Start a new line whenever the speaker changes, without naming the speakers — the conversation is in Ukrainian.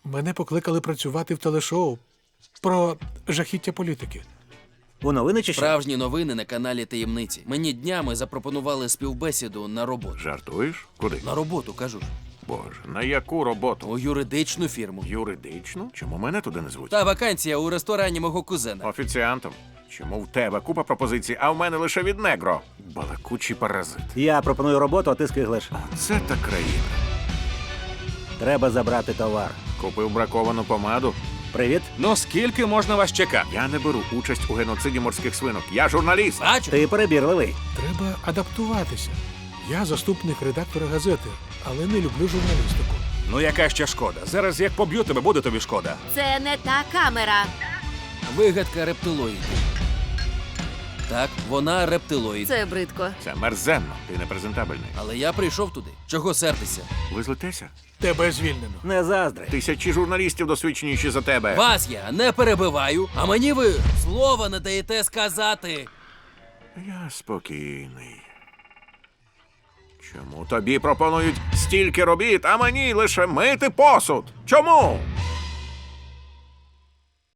Мене покликали працювати в телешоу про жахіття політики.
У новини чи що?
Справжні новини на каналі Таємниці. Мені днями запропонували співбесіду на роботу.
Жартуєш? Куди?
На роботу, кажу ж.
Боже, на яку роботу?
У юридичну фірму.
Юридичну? Чому мене туди не звуть?
Та вакансія у ресторані мого кузена.
Офіціантом. Чому в тебе купа пропозицій, а в мене лише від негро? Балакучий паразит.
Я пропоную роботу, а ти скиглиш.
Це та країна.
Треба забрати товар.
Купив браковану помаду.
Привіт.
Ну скільки можна вас чекати?
Я не беру участь у геноциді морських свинок. Я журналіст.
Бачу?
Ти перебірливий.
Треба адаптуватися. Я заступник редактора газети, але не люблю журналістику.
Ну яка ще шкода? Зараз як поб'ю тебе, буде тобі шкода.
Це не та камера.
Вигадка рептилоїдів. Так, вона рептилоїд.
Це бридко.
Це мерзенно. Ти непрезентабельний.
Але я прийшов туди. Чого сердися?
Ви злитеся?
Тебе звільнено.
Не заздри.
Тисячі журналістів досвідченіші за тебе.
Вас я не перебиваю, а мені ви слова не даєте сказати.
Я спокійний. Чому тобі пропонують стільки робіт, а мені лише мити посуд? Чому?